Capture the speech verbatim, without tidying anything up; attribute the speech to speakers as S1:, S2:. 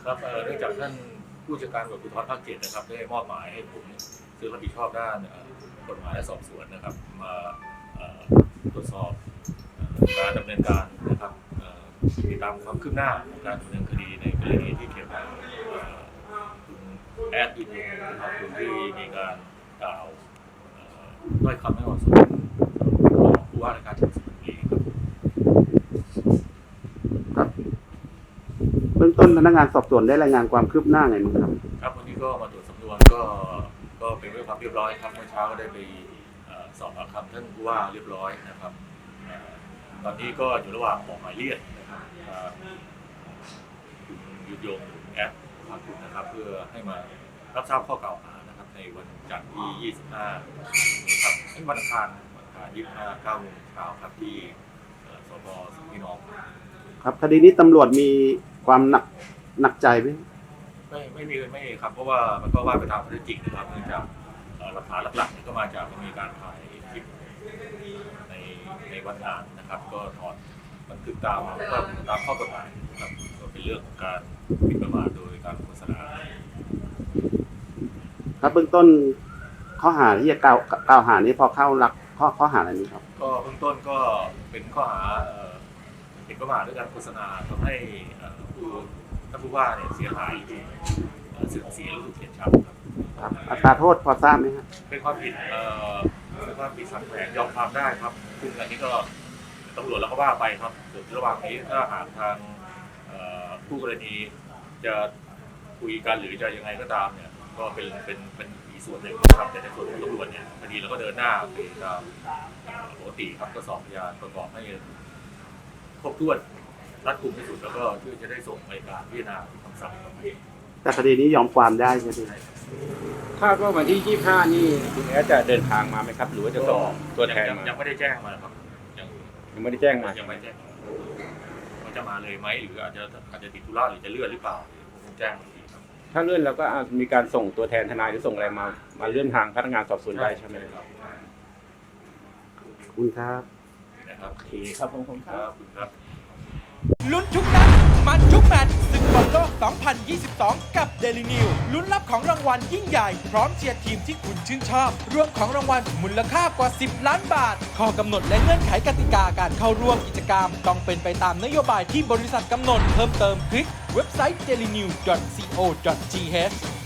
S1: ครับเนื่องจากท่านผู้จัดการตำรวจภูธรภาคเจ็ดนะครับได้มอบหมายให้ผมซึ่งรับผิดชอบด้านกฎหมายและสอบสวนนะครับมาตรวจสอบการดำเนินการนะครับติดตามความคืบหน้าของการดำเนินคดีในกรณีที่เกี่ยวกับคุณแอดอินนะครับคุณที่มีการกล่าวด้วยคำไม่เหมาะสมของผู้ว่าราชการจังหวัดสุพรรณบุรี
S2: ครับเบื้องต้นพนักงานสอบสวนได้รายงานความคืบหน้าไงบ้างครับ
S1: ครับวันนี้ก็มาตรวจสำนวนก็ก็เป็นเรื่องความเรียบร้อยครับเมื่อเช้าก็ได้ไปสอบปากคำท่านผู้ว่าเรียบร้อยนะครับตอนนี้ก็อยู่ระหว่างออกหมายเรียกนะครับคุณยุทธยงแอปภาคคุณนะครับเพื่อให้มารับทราบข้อกล่าวหานะครับในวันจันทร์ที่ ยี่สิบห้านี้ครับวันอังคารวันอังคารยี่สิบห้า เก้าโมงเช้าครับที่สพสุพี่น้อง
S2: ครับคดีนี้ตำรวจมีความหนักหนักใจไหม
S1: ไม่ไม่มีไม่ครับเพราะว่ามันก็ว่าไปตามข้อเท็จจริงนะครับเนื่องจากหลักฐานหลักๆก็มาจากมีการถ่ายคลิปในในวันงานนะครับก็ถอดบันทึกตามก็ตามข้อกฎหมายนะครับก็เป็นเรื่องของการหมิ่นประมาทโดยการโฆษณา
S2: ครับเบื้องต้นข้อหาที่จะกล่าวกล่าวหานี้พอเข้าหลักข้อข้อหาอะไรนี้ครับ
S1: ก็เบื้องต้นก็เป็นข้อหาหมิ่นประมาทด้วยการโฆษณาทำให้ผู้ท่านผู้ว่าเนี่ยเสียหายเสื่อมเสียรู้สึกเสียชื่อครับ
S2: ครับอัตราโทษพอทราบไหมครับ
S1: เป็นความผิดเอ่อเป็นความผิดสังแขงยอมความได้ครับซึ่งอันนี้ก็ตำรวจแล้วก็ว่าไปครับส่วนระหว่างนี้ถ้าหากทางผู้กรณีจะคุยกันหรือจะยังไงก็ตามเนี่ยก็เป็นเป็นเป็นอีกส่วนหนึ่งนะครับแต่ในส่วนของตำรวจเนี่ยคดีเราก็เดินหน้าไปตามปกติครับก็สอบพยานประกอบให้ครบถ้วนรัดกุมที่สุดแล้วก็เพื่อจะได้ส่งไปการพิจารณาคำสั่งต่อไป
S2: แต่คดีนี้ยอมความได้ใช่ไหม
S3: คาดว่าวันที่ยี่สิบห้านี่คุณแอดจะเดินทางมาไหมครับหรือว่าจะส่งตัวแทนมา
S1: ยังไม่ได้แจ้งมาครับ
S3: ยังยังไม่ได้แจ้งมา
S1: ยังไม่แจ้งว่าจะมาเลยไหมหรืออาจจะอาจจะติดธุระหรือจะเลื่อนหรือเปล่าคงแจ้งอีกทีครับ
S3: ถ้าเลื่อนเราก็มีการส่งตัวแทนทนายหรือส่งอะไรมามาเลื่อนทางพนักงานสอบสวนได้ใช่ไหมครับ
S2: คุณครับ
S1: นะครับโอเค
S3: ครับผมครับ
S1: คุณครับ
S4: ลุ้นทุกนัดมันทุกแมตช์ศึกบอลโลก สองพันยี่สิบสอง กับ Daily News ลุ้นรับของรางวัลยิ่งใหญ่พร้อมเชียร์ทีมที่คุณชื่นชอบรวมของรางวัลมูลค่ากว่า สิบ ล้านบาทข้อกำหนดและเงื่อนไขกติกาการเข้าร่วมกิจกรรมต้องเป็นไปตามนโยบายที่บริษัทกำหนดเพิ่มเติมคลิกเว็บไซต์ เดลินิวส์ ดอท ซี โอ ดอท ที เอช